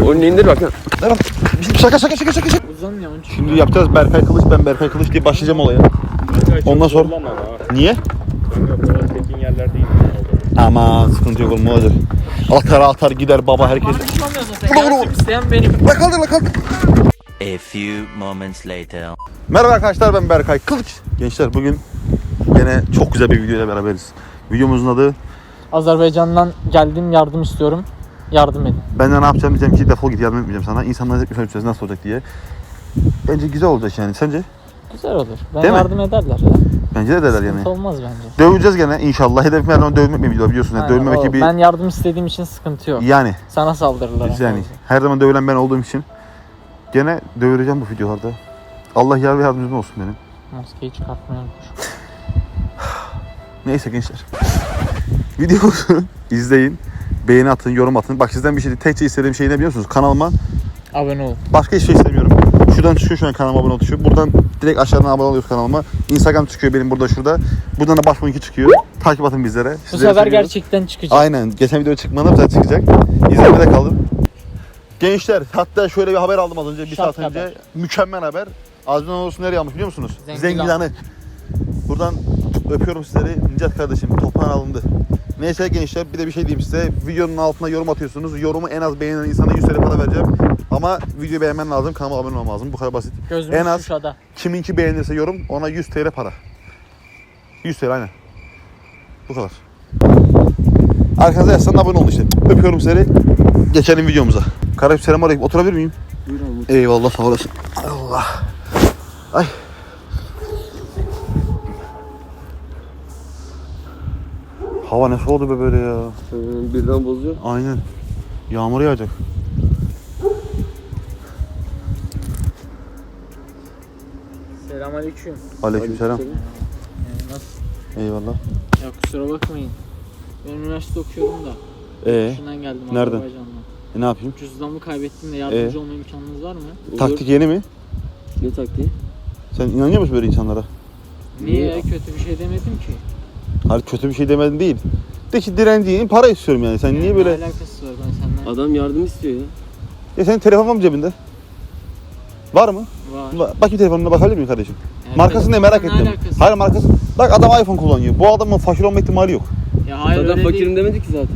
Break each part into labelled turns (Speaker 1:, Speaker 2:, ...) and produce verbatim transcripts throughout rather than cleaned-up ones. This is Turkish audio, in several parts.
Speaker 1: Onu indir bak.
Speaker 2: Tamam. Şaka şaka şaka şaka şaka.
Speaker 3: Uzan ya onun için.
Speaker 2: Şimdi yapacağız Berkay Kılıç, ben Berkay Kılıç diye başlayacağım olaya. Ondan sonra... Niye?
Speaker 4: Tekin yerlerdeyim.
Speaker 2: Aman sıkıntı yok oğlum, ne olacak? Atar atar gider baba herkes.
Speaker 3: Bana düşmamıyor zaten. Yardım isteyen benim.
Speaker 2: La kaldır la kaldır.
Speaker 5: A few moments later.
Speaker 2: Merhaba arkadaşlar, ben Berkay Kılıç. Gençler bugün yine çok güzel bir videoyla beraberiz. Videomuzun adı
Speaker 3: Azerbaycan'dan geldim, yardım istiyorum. Yardım edin.
Speaker 2: ben de ne yapacağım diyeceğim ki defol git, yardım etmeyeceğim sana. İnsanlar hep söyleyeceğiz nasıl olacak diye. Bence güzel olacak yani, sence?
Speaker 3: Güzel olur. Ben
Speaker 2: Değil mi?
Speaker 3: yardım ederler ya.
Speaker 2: Bence de ederler yani.
Speaker 3: Sıkıntı olmaz bence.
Speaker 2: Döveceğiz gene inşallah. Hedefim her zaman dövmek bir video biliyorsun. Yani
Speaker 3: Aynen,
Speaker 2: dövmemek
Speaker 3: o.
Speaker 2: gibi.
Speaker 3: Ben yardım istediğim için sıkıntı yok.
Speaker 2: Yani.
Speaker 3: Sana saldırırlar.
Speaker 2: Yani her zaman dövülen ben olduğum için gene dövüleceğim bu videolarda. Allah yar ve yardımcım olsun benim.
Speaker 3: Maskeyi çıkartmayı unutmuşum.
Speaker 2: Neyse gençler. Videomuzu izleyin. Beğeni atın, yorum atın. Bak sizden bir şey değil. Tekçe istediğim şey ne biliyor musunuz? Kanalıma
Speaker 3: Abone ol.
Speaker 2: başka hiçbir şey istemiyorum. Şuradan çıkıyor şu an kanalıma abone ol tuşu. Buradan direkt aşağıdan abone oluyoruz kanalıma. Instagram çıkıyor benim burada şurada. Buradan da başbuğunki çıkıyor. Takip atın bizlere.
Speaker 3: Bu
Speaker 2: Sizleri
Speaker 3: sefer
Speaker 2: seviyoruz.
Speaker 3: gerçekten çıkacak.
Speaker 2: Aynen. Geçen video çıkmadı, bu sefer çıkacak. İzlemede kalın. Gençler hatta şöyle bir haber aldım az önce. Bir
Speaker 3: Şart
Speaker 2: saat önce.
Speaker 3: haber.
Speaker 2: Mükemmel haber. Azman olsun nereye almış biliyor musunuz?
Speaker 3: Zengilan.
Speaker 2: Zengilan'ı. Buradan öpüyorum sizleri. Nicat kardeşim toprağın alındı. Neyse gençler bir de bir şey diyeyim size. Videonun altına yorum atıyorsunuz. Yorumu en az beğenen insana yüz TL para vereceğim. Ama videoyu beğenmen lazım. Kanalıma abone olman lazım. Bu kadar basit.
Speaker 3: Gözümüz
Speaker 2: en az
Speaker 3: şuşada.
Speaker 2: kiminki beğenirse yorum ona yüz TL para. yüz TL aynen. Bu kadar. Arkanıza yazsan abone olun işte. Öpüyorum seni. Geçelim videomuza. Kardeşim selamünaleyküm. Oturabilir miyim?
Speaker 1: Buyur abi.
Speaker 2: Eyvallah sağ olasın. Allah. Ay. Hava ne soğudu be böyle ya.
Speaker 1: Ee, birden bozuyor.
Speaker 2: Aynen. Yağmur yağacak.
Speaker 3: Selamünaleyküm.
Speaker 2: Aleykümselam.
Speaker 3: Yani nasıl?
Speaker 2: Eyvallah.
Speaker 3: Ya kusura bakmayın. Ben üniversite okuyorum da.
Speaker 2: Ee,
Speaker 3: Şundan geldim
Speaker 2: nereden?
Speaker 3: Azerbaycan'dan.
Speaker 2: e, ne yapayım?
Speaker 3: Cüzdanımı kaybettim de yardımcı
Speaker 2: Ee?
Speaker 3: olma imkanınız var mı?
Speaker 1: Olur.
Speaker 2: Taktik yeni mi?
Speaker 1: Ne taktiği?
Speaker 2: Sen inanıyor musun böyle insanlara?
Speaker 3: Niye ya? Kötü bir şey demedim ki.
Speaker 2: Hayır kötü bir şey demedin değil. De ki direnciğin para istiyorum yani. Sen
Speaker 3: Yani
Speaker 2: niye böyle...
Speaker 3: Ne alakası var ben senden?
Speaker 1: Adam yardım istiyor ya.
Speaker 2: Ya senin telefon var mı cebinde? Var mı?
Speaker 3: Var.
Speaker 2: Ba- Bakayım telefonuna bakabilir miyim kardeşim?
Speaker 3: Yani
Speaker 2: Markasını ne merak
Speaker 3: ne
Speaker 2: ettim.
Speaker 3: alakası?
Speaker 2: Hayır markası. Bak adam iPhone kullanıyor. Bu adamın fakir olma ihtimali yok.
Speaker 3: Ya hayır
Speaker 1: Zaten
Speaker 3: öyle
Speaker 1: fakirim
Speaker 3: değil.
Speaker 1: demedi ki zaten.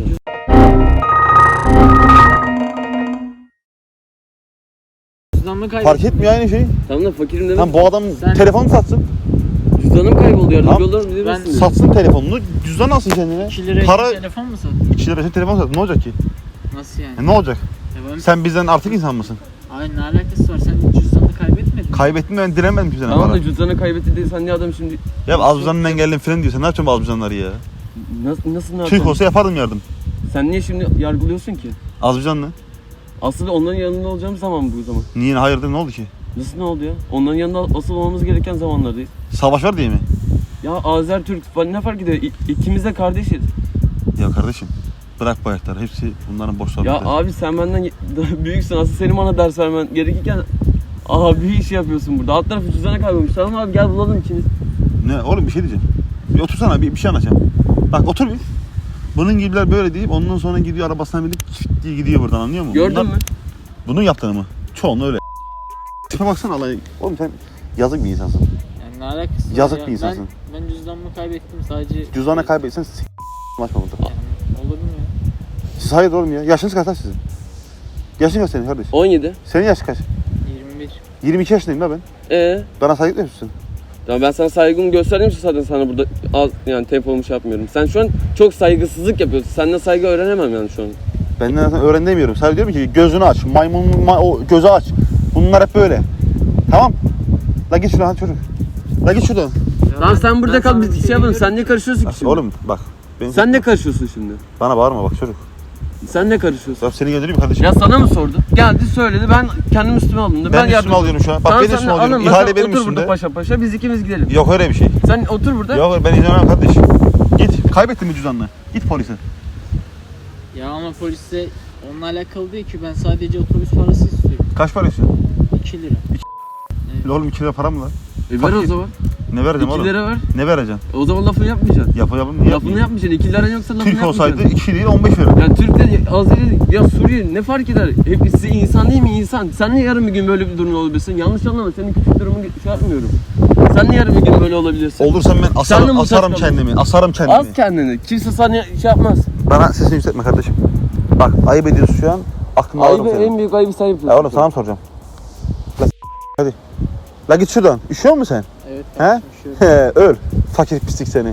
Speaker 3: Cüzdanımı kaybettim.
Speaker 2: Fark etmiyor aynı şey.
Speaker 1: Tamam da fakirim demedi.
Speaker 2: Lan bu adam
Speaker 3: Sen-
Speaker 2: telefonu satsın.
Speaker 1: Cüzdanım kayboldu yardımcı
Speaker 2: Tamam.
Speaker 1: olur mu bilir
Speaker 3: Ben-
Speaker 1: misin?
Speaker 2: Satsın telefonunu. Cüzdan alsın kendine.
Speaker 3: iki liraya
Speaker 2: Para
Speaker 3: telefon mu satıyorsun?
Speaker 2: iki lira telefon sat. Ne olacak ki?
Speaker 3: Nasıl yani?
Speaker 2: E, ne olacak?
Speaker 3: Ya ben...
Speaker 2: Sen bizden artık insan mısın?
Speaker 3: Ay ne alakası var? Sen cüzdanını kaybetmedin mi?
Speaker 2: Kaybettin ben direnmedim ki sana.
Speaker 1: Tamam
Speaker 2: para.
Speaker 1: da cüzdanı kaybetti diye sen niye adam şimdi...
Speaker 2: Ya Azbuzan'ın engellim falan diyor. Sen ne yapacaksın bu Azbuzan'ları ya?
Speaker 1: Nasıl, nasıl ne
Speaker 2: Türk
Speaker 1: yapacaksın?
Speaker 2: olsa yapardım yardım.
Speaker 1: Sen niye şimdi yargılıyorsun ki?
Speaker 2: Azbuzan'la.
Speaker 1: Aslında onların yanında olacağım zaman bu zaman.
Speaker 2: Niye hayırdır ne oldu ki?
Speaker 1: Nasıl ne oldu ya? Onların yanında asıl olmamız gereken zamanlardayız.
Speaker 2: Savaş var diye mi?
Speaker 1: Ya Azer, Türk falan ne fark ediyor? İ- İkimiz de kardeşiz.
Speaker 2: Ya kardeşim bırak bu ayakları. Hepsi bunların boş
Speaker 1: Ya
Speaker 2: sohbetleri.
Speaker 1: abi sen benden ye- daha büyüksün. Aslında senin bana ders vermen gerekirken abi iş yapıyorsun burada. Alt tarafı cüzdanı kaybolmuş. Tamam abi gel bulalım ikimiz.
Speaker 2: Ne oğlum bir şey diyeceğim. Bir otursana bir, bir şey anlatacağım. Bak otur bir. Bunun gibiler böyle deyip ondan sonra gidiyor arabasına binip çift diye gidiyor buradan anlıyor musun?
Speaker 1: Gördün
Speaker 2: Bunlar-
Speaker 1: mü?
Speaker 2: Bunun yaptığını mı? Çoğunluğu öyle. Tipe baksana Allah. Oğlum sen yazık bir insansın.
Speaker 3: Yani ne alakası var
Speaker 2: Yazık
Speaker 3: ya?
Speaker 2: bir insansın.
Speaker 3: Ben, ben cüzdanımı kaybettim sadece.
Speaker 2: Cüzdanı kaybetsen s*** başma burada.
Speaker 3: Yani, olur mu ya?
Speaker 2: Siz hayır oğlum ya. Yaşınız kaç lan sizin? Yaşın kaç senin kardeş?
Speaker 1: on yedi.
Speaker 2: Senin yaşın kaç?
Speaker 3: yirmi bir.
Speaker 2: yirmi iki yaşındayım la ben.
Speaker 1: Ee,
Speaker 2: Bana saygı duyuyor musun?
Speaker 1: tamam ben sana saygımı gösterdiğim için zaten sana burada az yani tempolumu şey yapmıyorum. Sen şu an çok saygısızlık yapıyorsun. Senden saygı öğrenemem yani şu an.
Speaker 2: Benden zaten öğren demiyorum. Sadece diyorum ki gözünü aç. Maymunun ma- o gözü aç. Bunlar hep böyle. Tamam. La git şuradan hadi çocuk. La git şuradan.
Speaker 3: Ya
Speaker 1: Lan
Speaker 3: ben-
Speaker 1: sen burada
Speaker 3: ben
Speaker 1: kal
Speaker 3: sana
Speaker 1: biz
Speaker 3: bir
Speaker 1: şey yapalım.
Speaker 3: demiyorum
Speaker 1: Sen ne karışıyorsun ki
Speaker 2: Bak,
Speaker 1: şimdi?
Speaker 2: oğlum bak. Beni
Speaker 1: Sen ne karışıyorsun şimdi?
Speaker 2: Bana bağırma bak çocuk.
Speaker 1: Sen ne karışıyorsun?
Speaker 2: Ya seni göndereyim mi kardeşim?
Speaker 1: Ya sana mı sordu? Geldi söyledi ben kendim üstüme aldım.
Speaker 2: ben,
Speaker 1: Ben,
Speaker 2: üstüme
Speaker 1: yardım-
Speaker 2: alıyorum şu an. Bak
Speaker 1: Tamam,
Speaker 2: ben
Speaker 1: sen
Speaker 2: üstüme
Speaker 1: de
Speaker 2: alıyorum.
Speaker 1: alın,
Speaker 2: İhale
Speaker 1: sen
Speaker 2: benim
Speaker 1: otur
Speaker 2: üstümde.
Speaker 1: burada paşa paşa biz ikimiz gidelim.
Speaker 2: Yok öyle bir şey.
Speaker 1: Sen otur burada.
Speaker 2: Yok ben izin vermem kardeş. Git. Kaybettin mi cüzdanını? Git polise.
Speaker 3: Ya ama polise onunla alakalı değil ki, ben sadece otobüs parası istiyorum.
Speaker 2: Kaç para istiyorsun?
Speaker 3: iki lira.
Speaker 2: Oğlum iki lira para mı lan?
Speaker 1: E ver
Speaker 2: Fakir.
Speaker 1: o zaman.
Speaker 2: Ne vereceğim
Speaker 1: iki
Speaker 2: oğlum?
Speaker 1: lira ver.
Speaker 2: Ne vereceksin?
Speaker 1: O zaman lafını yapmayacaksın.
Speaker 2: Yapa yapın niye
Speaker 1: Lafını yapmayacaksın. iki liran yoksa lafını
Speaker 2: Türk olsaydı
Speaker 1: yapmayacaksın.
Speaker 2: iki değil on beş verir.
Speaker 1: Yani Türk de az değil ya Suriye ne fark eder? Hepsi insan değil mi insan? Sen ne yarın bir gün böyle bir durum olabilirsin? Yanlış anlama senin küçük durumu şey yapmıyorum. Sen ne yarın bir gün böyle olabilirsin?
Speaker 2: Olursam ben
Speaker 1: Sen de
Speaker 2: asarım,
Speaker 1: mi
Speaker 2: asarım
Speaker 1: saçmalıyorsun?
Speaker 2: kendimi. Asarım kendimi.
Speaker 1: Az kendini. Kimse sana şey yapmaz.
Speaker 2: Bana sesini yükseltme kardeşim. Bak ayıp ediyorsun şu an. Aklımda alırım
Speaker 1: Ayıbı
Speaker 2: seni.
Speaker 1: en büyük ayıbı sen yapıyorsun.
Speaker 2: Ya oğlum sana mı soracağım? La hadi. La git şuradan. Üşüyor musun sen?
Speaker 3: Evet
Speaker 2: He?
Speaker 3: kardeşim şöyle.
Speaker 2: He, öl. Fakir pislik seni.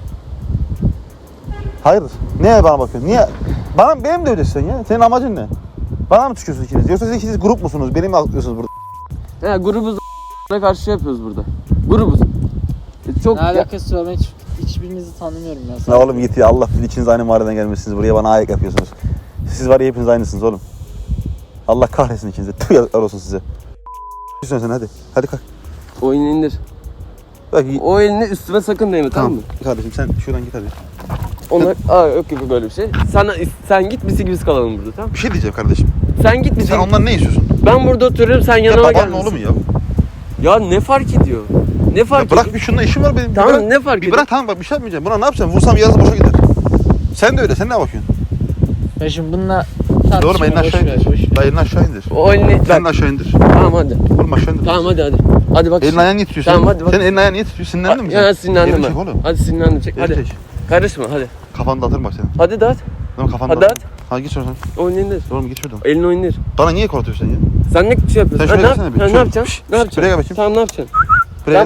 Speaker 2: Hayırdır? Niye bana bakıyorsun? Niye? Bana benim de ödesin ya. Senin amacın ne? Bana mı çıkıyorsunuz ikiniz? Yoksa siz ikiniz grup musunuz? Beni mi atlıyorsunuz burada?
Speaker 1: Ya grubuz karşı şey yapıyoruz burada. Grubuz. E, Çok
Speaker 3: Ne alakası var ben hiç, hiçbirinizi tanımıyorum ya.
Speaker 2: Ne oğlum git ya. Allah bilir ikiniz aynı mahalleden gelmişsiniz. Buraya bana ayak yapıyorsunuz. Siz var ya hepiniz aynısınız oğlum. Allah kahretsin ikinizi. Tüh yazıklar olsun size. Sen sen hadi. Hadi kalk.
Speaker 1: oyunu indir.
Speaker 2: Bak,
Speaker 1: O elini üstüme sakın değme tamam,
Speaker 2: tamam
Speaker 1: mı?
Speaker 2: kardeşim sen şuradan git hadi.
Speaker 1: Onlar aa yok gibi böyle bir şey. Sen sen git biz ikimiz kalalım burada tamam?
Speaker 2: Bir şey diyeceğim kardeşim.
Speaker 1: Sen git biz.
Speaker 2: Sen ondan ne istiyorsun?
Speaker 1: Ben burada oturuyorum sen
Speaker 2: Ya
Speaker 1: yanıma
Speaker 2: babanın
Speaker 1: gelmesin.
Speaker 2: oğlu mu ya?
Speaker 1: Ya ne fark ediyor? Ne fark
Speaker 2: Ya bırak
Speaker 1: ediyor?
Speaker 2: bir şununla işim var benim. Bir
Speaker 1: Tamam
Speaker 2: bırak,
Speaker 1: ne fark
Speaker 2: bir
Speaker 1: ediyor?
Speaker 2: bırak tamam bak bir şey yapmayacağım. Buna ne yapacağım? Vursam yarısı boşa gider. Sen de öyle. Sen ne bakıyorsun?
Speaker 3: Ben şimdi bununla
Speaker 2: Doğru
Speaker 3: tartışma
Speaker 2: elini
Speaker 3: boş
Speaker 2: aşağı
Speaker 3: ver
Speaker 2: indir.
Speaker 3: boş ver.
Speaker 2: Dayı elini aşağı indir.
Speaker 1: O elini
Speaker 2: Sen de
Speaker 1: bak.
Speaker 2: aşağı indir.
Speaker 1: Tamam hadi.
Speaker 2: Oğlum aşağı indir.
Speaker 1: Tamam hadi hadi. Hadi bak.
Speaker 2: Elin ayağın niye titriyor?
Speaker 1: Tamam,
Speaker 2: senin?
Speaker 1: hadi bak.
Speaker 2: Senin elin ayağın niye titriyor? Sinirlendin mi sen?
Speaker 1: Ya sinirlendim
Speaker 2: Elini
Speaker 1: ben.
Speaker 2: çek oğlum.
Speaker 1: Hadi sinirlendim çek
Speaker 2: Elini
Speaker 1: hadi.
Speaker 2: çek.
Speaker 1: Karışma hadi.
Speaker 2: Kafanı dağıtırım bak senin.
Speaker 1: Hadi dağıt.
Speaker 2: Tamam kafanı
Speaker 1: Hadi
Speaker 2: dağıtırım. Hadi git şuradan.
Speaker 1: Oyunu indir.
Speaker 2: Oğlum git şuradan.
Speaker 1: Elini oyunu indir.
Speaker 2: Bana niye korkutuyorsun sen ya?
Speaker 1: Sen ne şey yapıyorsun?
Speaker 2: Sen
Speaker 1: Ha,
Speaker 2: şuraya
Speaker 1: ne, yap-
Speaker 2: gelsene bir.
Speaker 1: ha, ne
Speaker 2: Şuraya.
Speaker 1: yapacaksın?
Speaker 2: Şşş,
Speaker 1: Ne yapacaksın?
Speaker 2: buraya gel bakayım.
Speaker 1: Tamam ne yapacaksın?
Speaker 2: Buraya.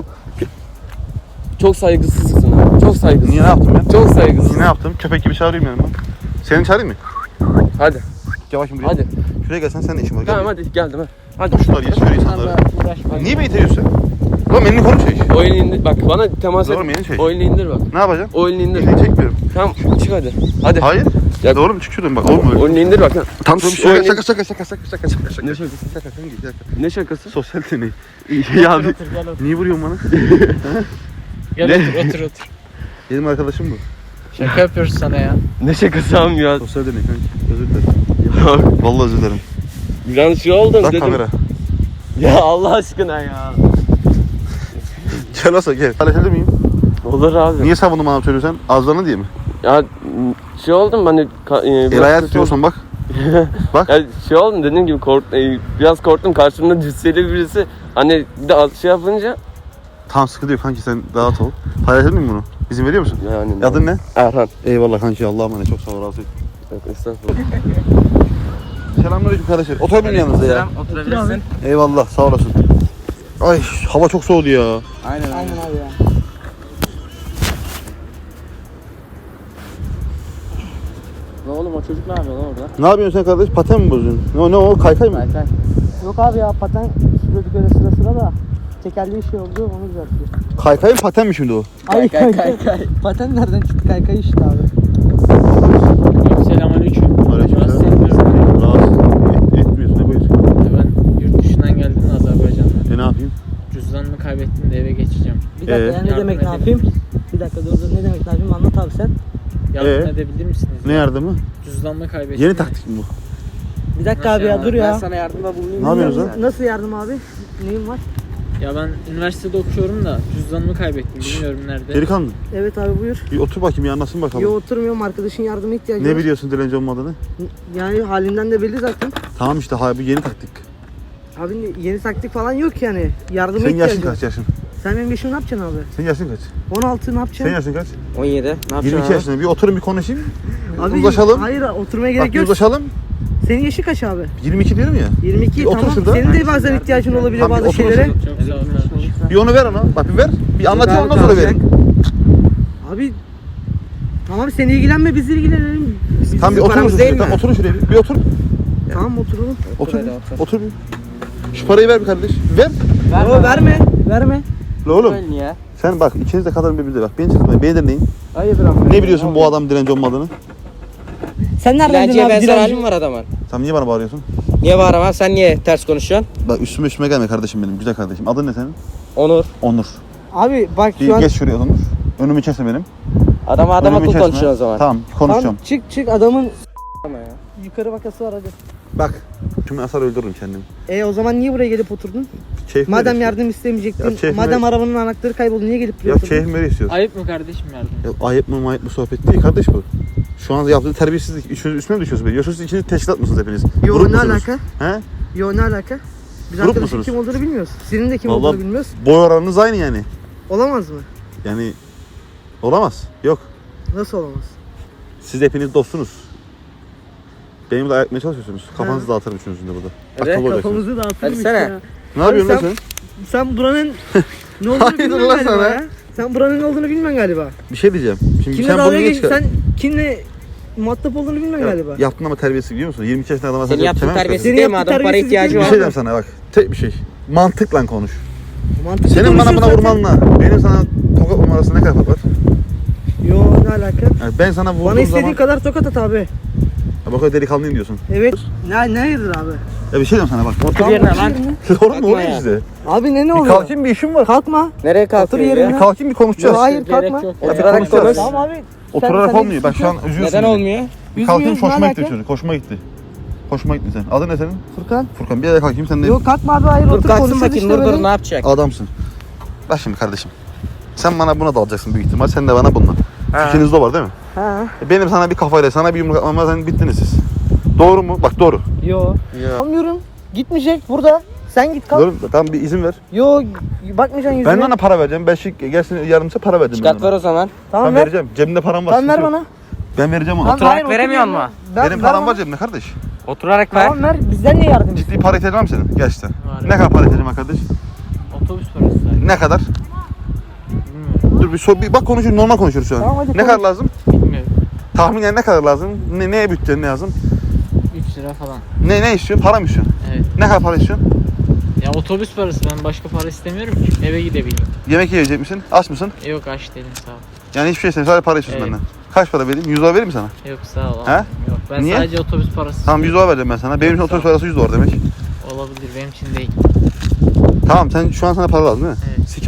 Speaker 1: Çok saygısızsın ha. Çok saygısız.
Speaker 2: Niye ne yaptım ben?
Speaker 1: Çok saygısız.
Speaker 2: Niye ne yaptım? Köpek gibi çağırayım yanıma. Seni çağırayım mı?
Speaker 1: Hadi.
Speaker 2: Gel bakayım buraya.
Speaker 1: Hadi.
Speaker 2: Şuraya gelsen sen de işin var. Gel
Speaker 1: Tamam
Speaker 2: buraya.
Speaker 1: hadi geldim ha. Hadi.
Speaker 2: Şunları geç şöyle insanları.
Speaker 3: Bunlarla uğraşma.
Speaker 2: Niye beni itiyorsun? Oğlum elini koru çek.
Speaker 1: O elini indir. Bak bana temas et.
Speaker 2: Doğru mu? Elini çek.
Speaker 1: O elini indir bak.
Speaker 2: Ne yapacaksın?
Speaker 1: O elini indir.
Speaker 2: Elini çekmiyorum.
Speaker 1: Tamam çık hadi. Hadi.
Speaker 2: Hayır.
Speaker 1: Ya-
Speaker 2: Doğru mu? Çık şuradan bak. Olmuyor.
Speaker 1: O elini indir bak. ha.
Speaker 2: Tam
Speaker 1: Şş,
Speaker 2: şaka
Speaker 1: o elini-
Speaker 2: şaka şaka şaka şaka şaka şaka şaka.
Speaker 1: Ne şakası?
Speaker 2: Şaka sen git şaka.
Speaker 1: Ne şakası?
Speaker 2: Sosyal deney. ya abi.
Speaker 3: Otur gel otur.
Speaker 2: Niye vuruyorsun bana?
Speaker 3: Gel otur otur otur.
Speaker 2: Benim arkadaşım bu.
Speaker 3: Şaka yapıyoruz sana ya.
Speaker 1: Ne şakası am ya?
Speaker 2: Sosyal deney kanka. Özür dilerim. Vallahi özür dilerim.
Speaker 1: Biraz şey oldum
Speaker 2: Bak
Speaker 1: dedim.
Speaker 2: kamera.
Speaker 1: Ya Allah aşkına ya.
Speaker 2: Gel olsa gel. Halledebilir miyim?
Speaker 1: Olur abi.
Speaker 2: Niye savundun bana söylüyorsun? Azlarını diye mi?
Speaker 1: Ya şey oldum ben de ka- e,
Speaker 2: El
Speaker 1: biraz
Speaker 2: ayağı
Speaker 1: kötü
Speaker 2: tutuyorsan bak. Bak.
Speaker 1: Ya şey oldum dediğim gibi kork, e, biraz korktum karşımda cüsseli birisi hani bir de az şey yapınca
Speaker 2: Tam sıkı diyor kanki sen rahat ol. Paylaşır mıyım bunu? İzin veriyor musun?
Speaker 1: yani
Speaker 2: Adın ne?
Speaker 1: Erhan.
Speaker 2: Eyvallah kanki Allah'a emanet çok sağ ol razı olsun.
Speaker 1: Yok, estağfurullah.
Speaker 2: Selamünaleyküm kardeşler. Oturabilir yanınızda ya.
Speaker 1: Oturabilirsin.
Speaker 2: Eyvallah sağ olasın. Ay hava çok soğudu ya.
Speaker 3: Aynen aynen abi ya.
Speaker 1: Ne oğlum o çocuk ne yapıyor lan orada?
Speaker 2: Ne yapıyorsun sen kardeş? Paten mi bozuyorsun? Ne, ne o kaykay mı?
Speaker 1: Kaykay.
Speaker 6: Yok abi ya paten sürüyorduk öyle sıra sıra da tekerleği şey oldu onu düzeltiyor.
Speaker 2: Kaykay mı paten mi şimdi o?
Speaker 6: Ay
Speaker 1: Kaykay, kaykay.
Speaker 6: Paten nereden çıktı kaykay işte abi.
Speaker 3: Selamünaleyküm.
Speaker 2: Aleykümselam.
Speaker 3: Rahatsız etmiyorum.
Speaker 2: Rahatsız et, etmiyorsun ne buyur?
Speaker 3: Ben yurt dışından geldim de Azerbaycan'dan.
Speaker 2: E ne yapayım?
Speaker 3: Cüzdanımı kaybettim de eve geçeceğim.
Speaker 6: Bir dakika
Speaker 2: Ee?
Speaker 6: ya ne
Speaker 3: Yardım
Speaker 6: demek ne
Speaker 3: edelim.
Speaker 6: yapayım? Bir dakika dur dur ne demek ne yapayım anlat abi sen.
Speaker 3: Yardım
Speaker 2: Ee?
Speaker 3: edebilir misiniz?
Speaker 2: Ne yardımı?
Speaker 3: Cüzdanımı kaybettim.
Speaker 2: Yeni
Speaker 3: de.
Speaker 2: taktik mi bu?
Speaker 6: Bir dakika
Speaker 3: Nasıl
Speaker 6: abi ya
Speaker 3: yani?
Speaker 6: dur ya.
Speaker 1: sana yardımda bulunayım.
Speaker 2: Ne yapıyorsunuz lan?
Speaker 6: Nasıl yardım abi? Neyin var?
Speaker 3: Ya ben üniversitede okuyorum da cüzdanımı kaybettim. Bilmiyorum nerede.
Speaker 2: Delikanlı.
Speaker 6: Evet abi buyur.
Speaker 2: Bir otur bakayım bir anlasın bakalım.
Speaker 6: Yo oturmuyorum arkadaşın yardıma ihtiyacı
Speaker 2: Ne
Speaker 6: var.
Speaker 2: biliyorsun dilenci olmadığını?
Speaker 6: Yani halinden de belli zaten.
Speaker 2: Tamam işte ha bu yeni taktik.
Speaker 6: Abi yeni taktik falan yok yani. Yardıma
Speaker 2: Senin
Speaker 6: ihtiyacı
Speaker 2: yaşın
Speaker 6: var.
Speaker 2: kaç yaşın?
Speaker 6: Sen benim yaşımı ne yapacaksın abi?
Speaker 2: Senin yaşın kaç?
Speaker 6: on altı ne
Speaker 2: Senin
Speaker 6: yapacaksın?
Speaker 2: yaşın kaç?
Speaker 1: on yedi. Ne yapacaksın
Speaker 2: yirmi iki
Speaker 1: abi?
Speaker 2: yaşında. Bir oturun bir konuşayım.
Speaker 6: Abi,
Speaker 2: uzlaşalım.
Speaker 6: Hayır oturmaya
Speaker 2: Bak
Speaker 6: gerek
Speaker 2: bir
Speaker 6: yok.
Speaker 2: uzlaşalım.
Speaker 6: Senin yaşı kaç abi?
Speaker 2: yirmi iki diyorum ya.
Speaker 6: yirmi iki
Speaker 2: Bir otur
Speaker 6: tamam.
Speaker 2: şurada.
Speaker 6: Senin de bazen ihtiyacın olabiliyor
Speaker 2: Tamam, bir
Speaker 6: bazı
Speaker 2: otur
Speaker 6: şeylere.
Speaker 2: şurada.
Speaker 3: Çok sağ ol kardeşim.
Speaker 2: Bir onu ver ona. Bak bir ver. Bir anlatayım ondan sonra verin.
Speaker 6: Abi tamam sen ilgilenme biz ilgilenelim. Biz,
Speaker 2: Tamam bir
Speaker 6: bizim
Speaker 2: oturun
Speaker 6: paramız
Speaker 2: şuraya.
Speaker 6: değil mi?
Speaker 2: Tamam oturun şuraya. Bir, bir otur.
Speaker 6: Tamam oturalım.
Speaker 2: Otur. bir. Otur bir. Şu parayı ver bir kardeş. Ver.
Speaker 6: Verme. verme. Verme.
Speaker 2: La oğlum.
Speaker 1: Niye?
Speaker 2: Sen bak ikiniz de kadar birbirine bak. Beni çizmeyin. Beni dinleyin.
Speaker 6: Hayırdır ama.
Speaker 2: Ne biliyorsun bu adam dilenci olmadığını?
Speaker 6: Sen nereden
Speaker 7: Dilenciye
Speaker 6: abi
Speaker 7: benzer
Speaker 6: dilenci?
Speaker 7: halim var adamın.
Speaker 2: Sen niye bana bağırıyorsun?
Speaker 7: Niye bağıramam? Sen niye ters konuşuyorsun?
Speaker 2: Bak üstüme üstüme gelme kardeşim benim. Güzel kardeşim. Adın ne senin?
Speaker 7: Onur.
Speaker 2: Onur.
Speaker 6: Abi bak
Speaker 2: Bir
Speaker 6: şu an
Speaker 2: geç şuraya Onur. Önümü kesme benim.
Speaker 7: Adama adam
Speaker 2: Önümü
Speaker 7: akıl
Speaker 2: kesme.
Speaker 7: konuşuyorsun o zaman.
Speaker 2: Tamam konuşacağım.
Speaker 6: Tamam, çık çık adamın
Speaker 7: Ama ya.
Speaker 6: yukarı bakası var hadi.
Speaker 2: Bak. Şimdi asar öldürürüm kendimi.
Speaker 6: E o zaman niye buraya gelip oturdun?
Speaker 2: Keyif
Speaker 6: Madem
Speaker 2: neresi?
Speaker 6: yardım istemeyecektin,
Speaker 2: Ya keyif
Speaker 6: madem
Speaker 2: neresi?
Speaker 6: arabanın anahtarı kayboldu niye gelip
Speaker 2: Ya
Speaker 6: duruyorsun?
Speaker 2: keyif mi istiyorsun?
Speaker 3: Ayıp mı kardeşim yardım?
Speaker 2: Ya ayıp mı mayıp mı sohbet değil kardeş bu. Şu an yaptığı terbiyesizlik. Üçünüz üstüne mi düşüyorsunuz? Diyorsunuz içinde teşkilat mısınız hepiniz?
Speaker 6: Yo
Speaker 2: Grup
Speaker 6: ne
Speaker 2: musunuz?
Speaker 6: alaka?
Speaker 2: He?
Speaker 6: Yo ne alaka? Biz
Speaker 2: Grup
Speaker 6: arkadaşın
Speaker 2: musunuz?
Speaker 6: kim olduğunu bilmiyoruz. Senin de kim
Speaker 2: Vallahi-
Speaker 6: olduğunu bilmiyoruz.
Speaker 2: Boy oranınız aynı yani.
Speaker 6: Olamaz mı?
Speaker 2: Yani olamaz. Yok.
Speaker 6: Nasıl olamaz?
Speaker 2: Siz hepiniz dostsunuz. Benim de ayakmaya çalışıyorsunuz. Kafanızı dağıtırım üçünüzün de burada.
Speaker 7: Hadi,
Speaker 2: Akıllı olacaksınız.
Speaker 6: Kafamızı dağıtırmış
Speaker 7: Hadi sene.
Speaker 6: ya.
Speaker 2: Ne yapıyorsun lan
Speaker 6: sen-
Speaker 2: sen?
Speaker 6: Sen buranın ne olduğunu
Speaker 2: Hayırdır
Speaker 6: bilmiyorsun
Speaker 2: lan
Speaker 6: galiba
Speaker 2: sana?
Speaker 6: ya. Sen buranın ne olduğunu bilmiyorsun galiba.
Speaker 2: Bir şey diyeceğim. Şimdi
Speaker 6: Kimle
Speaker 2: sen bunu
Speaker 6: dalga
Speaker 2: niye
Speaker 6: geç,
Speaker 2: çıkar?
Speaker 6: sen kimle muhatap olduğunu bilmiyorsun galiba.
Speaker 2: Yaptın ama terbiyesiz biliyor musun? yirmi iki yaşında adama
Speaker 7: Senin
Speaker 2: sen
Speaker 7: yaptığın
Speaker 2: yapamazsın.
Speaker 7: terbiyesiz
Speaker 6: Senin
Speaker 7: değil mi?
Speaker 6: yaptığın
Speaker 7: Adam para
Speaker 6: terbiyesizlik
Speaker 7: ihtiyacı
Speaker 2: Bir
Speaker 6: değil
Speaker 7: var.
Speaker 2: şey diyeceğim sana bak. Tek bir şey. Mantıkla konuş.
Speaker 6: Mantıklı
Speaker 2: Senin bana buna
Speaker 6: konuşuyorsun
Speaker 2: vurmanla benim sana tokat vurma arasında ne kadar fark var?
Speaker 6: zaten. Yo ne alaka?
Speaker 2: Yani ben sana vurduğum
Speaker 6: Bana istediğin
Speaker 2: zaman
Speaker 6: kadar tokat at abi.
Speaker 2: ya bak o delikanlıyım diyorsun.
Speaker 6: Evet. Ne ne hayırdır abi?
Speaker 2: Ya bir şey diyeyim sana bak.
Speaker 7: Otur yerine lan.
Speaker 2: Doğru mu
Speaker 7: Kalkma
Speaker 2: oluyor
Speaker 7: ya.
Speaker 2: size?
Speaker 6: Abi ne ne
Speaker 2: Bir
Speaker 6: oluyor?
Speaker 2: kalkayım bir işim var.
Speaker 6: Kalkma.
Speaker 7: Nereye
Speaker 6: Otur
Speaker 7: kalkıyorsun
Speaker 6: yerine.
Speaker 2: Bir
Speaker 7: ya?
Speaker 2: kalkayım bir konuşacağız.
Speaker 6: Yo, hayır
Speaker 3: Gerek
Speaker 6: kalkma.
Speaker 3: yok.
Speaker 7: Oturarak
Speaker 2: konuşacağız.
Speaker 7: konuş.
Speaker 6: Tamam abi. sen-
Speaker 2: Oturarak
Speaker 6: sen
Speaker 2: olmuyor. Bak şu an üzüyorsun.
Speaker 7: Neden
Speaker 2: beni.
Speaker 7: olmuyor?
Speaker 2: Bir kalkayım
Speaker 6: Üzmüyoruz,
Speaker 2: hoşuma
Speaker 6: ne
Speaker 2: gitti
Speaker 6: alaka?
Speaker 2: çocuk. Hoşuma gitti. Hoşuma gitti sen. Adın ne senin?
Speaker 6: Furkan.
Speaker 2: Furkan. Bir yere kalkayım sen de
Speaker 6: Yok kalkma abi hayır
Speaker 7: Dur
Speaker 6: otur
Speaker 7: kalksın
Speaker 6: konuşuruz
Speaker 7: bakayım
Speaker 6: işte
Speaker 7: dur dur
Speaker 6: böyle.
Speaker 7: ne yapacak?
Speaker 2: adamsın. Bak şimdi kardeşim. Sen bana buna dalacaksın büyük ihtimal. Sen de bana bununla.
Speaker 7: Ha.
Speaker 2: Fikriniz de var değil mi?
Speaker 6: Ha.
Speaker 2: E Benim sana bir kafayla sana bir yumruk atmama sen bittiniz siz. Doğru mu? Bak doğru.
Speaker 6: Yo. Almıyorum. Gitmeyecek burada. Sen git kalk.
Speaker 2: Doğru. Tamam bir izin ver.
Speaker 6: Yo bakmayacaksın yüzüne.
Speaker 2: Ben de ona para vereceğim. Ben şey gelsin yardımcı para vereceğim.
Speaker 7: Çıkart
Speaker 2: ben
Speaker 7: ver
Speaker 2: ona.
Speaker 7: o zaman.
Speaker 6: Tamam
Speaker 2: Ben
Speaker 6: ver.
Speaker 2: vereceğim. Cebimde param var.
Speaker 6: Tamam ver
Speaker 2: sıkıntı
Speaker 6: bana.
Speaker 2: yok. Ben vereceğim ona.
Speaker 6: Tamam,
Speaker 7: Oturarak
Speaker 6: hayır, otur
Speaker 7: veremiyor
Speaker 6: yerine.
Speaker 7: mu?
Speaker 6: Ver-
Speaker 2: Benim
Speaker 6: ver
Speaker 2: param
Speaker 6: bana.
Speaker 2: var cebimde kardeş.
Speaker 7: Oturarak ver.
Speaker 6: Tamam ver. Bizden niye yardım
Speaker 2: Ciddi
Speaker 6: istiyorsun?
Speaker 2: para ihtiyacın var mı senin? Gerçekten.
Speaker 3: Var.
Speaker 2: Ne kadar para ihtiyacın var kardeş?
Speaker 3: Otobüs parası sadece.
Speaker 2: Ne kadar?
Speaker 3: Bilmiyorum.
Speaker 2: Dur bir, so bir bak konuşuyoruz. Normal konuşuyoruz şu an.
Speaker 6: Tamam, hadi
Speaker 2: ne
Speaker 6: konuş.
Speaker 2: kadar lazım?
Speaker 3: Bilmiyorum.
Speaker 2: Tahminen ne kadar lazım? Ne, neye bütçen ne lazım?
Speaker 3: üç lira falan.
Speaker 2: Ne ne istiyorsun? Para mı istiyorsun?
Speaker 3: Evet.
Speaker 2: Ne kadar para istiyorsun?
Speaker 3: Ya otobüs parası, ben başka para istemiyorum ki. Eve gidebileyim.
Speaker 2: Yemek yiyecek misin? Aç mısın?
Speaker 3: E, yok aç değilim sağ ol.
Speaker 2: Yani hiçbir şey istemiyorsun. Sadece para istiyorsun
Speaker 3: Evet.
Speaker 2: benden. Kaç para vereyim? yüz dolar vereyim mi sana?
Speaker 3: Yok sağ ol.
Speaker 2: He?
Speaker 3: almayayım. Yok ben
Speaker 2: Niye?
Speaker 3: sadece otobüs parası
Speaker 2: Tamam yüz dolar vereceğim ben sana. Benim için otobüs parası yüz dolar demek.
Speaker 3: olabilir, benim için değil.
Speaker 2: Tamam sen şu an sana para lazım değil mi?
Speaker 3: Evet.
Speaker 2: Sikim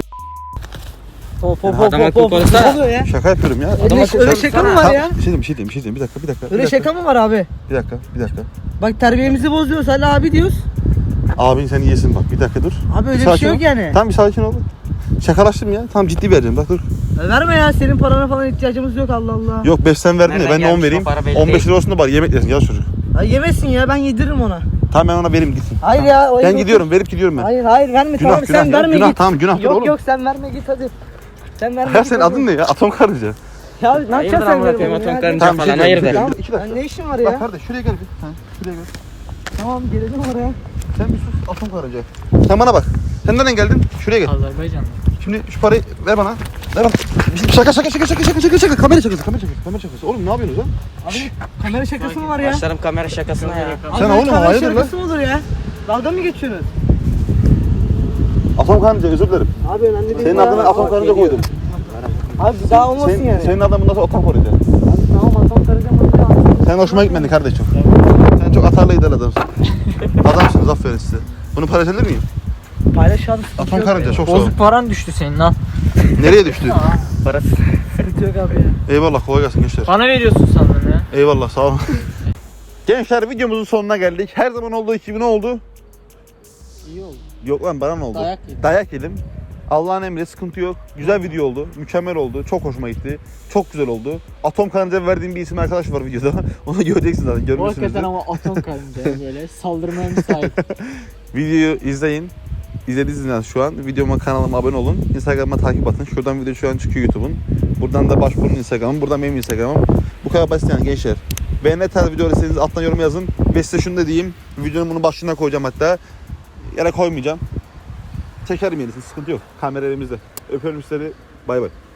Speaker 6: Hop hop
Speaker 7: Ya
Speaker 6: hop
Speaker 7: adam
Speaker 6: hop
Speaker 7: akıllı
Speaker 6: hop. Ne
Speaker 7: konuşsana.
Speaker 6: oluyor ya?
Speaker 2: şaka yapıyorum ya.
Speaker 6: Öyle,
Speaker 7: akıllı
Speaker 6: öyle
Speaker 7: konuşsana.
Speaker 6: şaka mı var
Speaker 2: Tamam,
Speaker 6: ya?
Speaker 2: bir şey diyeyim, bir şey diyeyim, bir şey diyeyim. Bir dakika, bir dakika. bir
Speaker 6: Öyle
Speaker 2: dakika,
Speaker 6: şaka mı var abi?
Speaker 2: Bir dakika, bir dakika.
Speaker 6: Bak terbiyemizi bozuyoruz hala abi diyoruz.
Speaker 2: Abin seni yesin bak. Bir dakika dur.
Speaker 6: Abi öyle bir
Speaker 2: Sakin
Speaker 6: şey
Speaker 2: ol.
Speaker 6: yok yani.
Speaker 2: Tamam bir sakin ol. Şakalaştım ya. Tamam ciddi vereceğim. Bak dur.
Speaker 6: Ya verme ya senin parana falan ihtiyacımız yok Allah Allah.
Speaker 2: Yok beş sen verdin ya
Speaker 7: Nereden
Speaker 2: ben de on
Speaker 7: gelmiş
Speaker 2: vereyim.
Speaker 7: o para belli
Speaker 2: on beş
Speaker 7: değil.
Speaker 2: lira olsun da bari yemek yesin. Yaz çocuk.
Speaker 6: Ya yemesin ya ben yediririm ona.
Speaker 2: Tamam ben ona vereyim gitsin.
Speaker 6: Hayır ya. o
Speaker 2: Ben
Speaker 6: yok.
Speaker 2: gidiyorum. Verip gidiyorum ben.
Speaker 6: Hayır hayır verme
Speaker 2: Günah,
Speaker 6: tamam
Speaker 2: günah
Speaker 6: sen
Speaker 2: ya,
Speaker 6: verme
Speaker 2: günah,
Speaker 6: git.
Speaker 2: tamam, günahtır
Speaker 6: Yok
Speaker 2: oğlum.
Speaker 6: yok sen verme git hadi. Sen verme
Speaker 2: Ya
Speaker 6: git.
Speaker 2: senin
Speaker 6: hadi.
Speaker 2: adın ne ya? Atom karınca.
Speaker 6: Ya ne
Speaker 7: Hayırdır
Speaker 6: yapacaksın sen
Speaker 7: amına
Speaker 6: verme
Speaker 7: koyayım,
Speaker 6: bunu
Speaker 7: atom
Speaker 6: ya?
Speaker 7: karınca
Speaker 2: Tamam bir şey
Speaker 7: falan
Speaker 2: diyeceğim, bir şey
Speaker 7: hayırdır?
Speaker 2: diyeceğim. İki dakika.
Speaker 6: Ya ne işin var
Speaker 2: Bak
Speaker 6: ya?
Speaker 2: kardeş şuraya gel bir. Ha, şuraya gel.
Speaker 6: Tamam gelelim oraya.
Speaker 2: Sen bir sus atom karınca. Sen bana bak. Sen nereden geldin? Şuraya gel.
Speaker 3: Azerbaycan'da.
Speaker 2: Şimdi şu parayı ver bana. Ver bana. Şaka şaka şaka şaka şaka şaka şaka. Kamera şakası kamera şakası kamera şakası. Oğlum ne yapıyorsunuz lan?
Speaker 6: Abi kamera şakası mı var ya?
Speaker 7: Başlarım kamera şakasına ya.
Speaker 6: Abi,
Speaker 2: Sen oğlum,
Speaker 6: kamera
Speaker 2: hayırdır lan?
Speaker 6: şakası mı olur ya? Dalga mı geçiyorsunuz?
Speaker 2: Atom karınca özür dilerim.
Speaker 6: Abi önemli değil
Speaker 2: Senin
Speaker 6: ya.
Speaker 2: adına atom karınca koydum.
Speaker 6: Abi bir daha olmasın
Speaker 2: Senin,
Speaker 6: yani.
Speaker 2: senin adamın nasıl atom karınca?
Speaker 6: Abi, tamam atom karınca mı?
Speaker 2: Sen hoşuma gitmedin kardeşim. Sen çok atarlı gider adamsın. Adamsınız aferin size. Bunu paylaşabilir miyim?
Speaker 6: Paylaş abi.
Speaker 2: Atom karınca çok sağ ol.
Speaker 3: Bozuk paran düştü senin lan.
Speaker 2: Nereye düştü?
Speaker 7: Parası.
Speaker 6: Sıkıntı yok abi ya.
Speaker 2: Eyvallah kolay gelsin gençler.
Speaker 3: Bana veriyorsun sandın ya.
Speaker 2: Eyvallah sağ olun. Gençler videomuzun sonuna geldik. Her zaman olduğu gibi ne oldu?
Speaker 3: İyi oldu.
Speaker 2: Yok lan bana ne oldu?
Speaker 3: Dayak yedim.
Speaker 2: Dayak yedim. Allah'ın emri sıkıntı yok. Güzel video oldu. Mükemmel oldu. Çok hoşuma gitti. Çok güzel oldu. Atom karınca verdiğim bir isim arkadaş var videoda. Onu göreceksiniz zaten.
Speaker 3: O
Speaker 2: Görmüşsünüzdür.
Speaker 3: hakikaten ama atom karınca böyle saldırmaya müsait.
Speaker 2: Videoyu izleyin. İzlediğiniz şu an. Videoma kanalıma abone olun. Instagram'a takip atın. Şuradan video şu an çıkıyor YouTube'un. Buradan da Başbuğ'un Instagram'ım. Buradan benim Instagram'ım. Bu kadar basit yani gençler. Ve ne tarz video istediğiniz alttan yorum yazın. Ve size şunu da diyeyim. Videonun bunu başlığına koyacağım hatta. Yere koymayacağım. Çekerim yenisini. Sıkıntı yok. Kamera elimizde. Öpüyorum sizleri. Bay bay.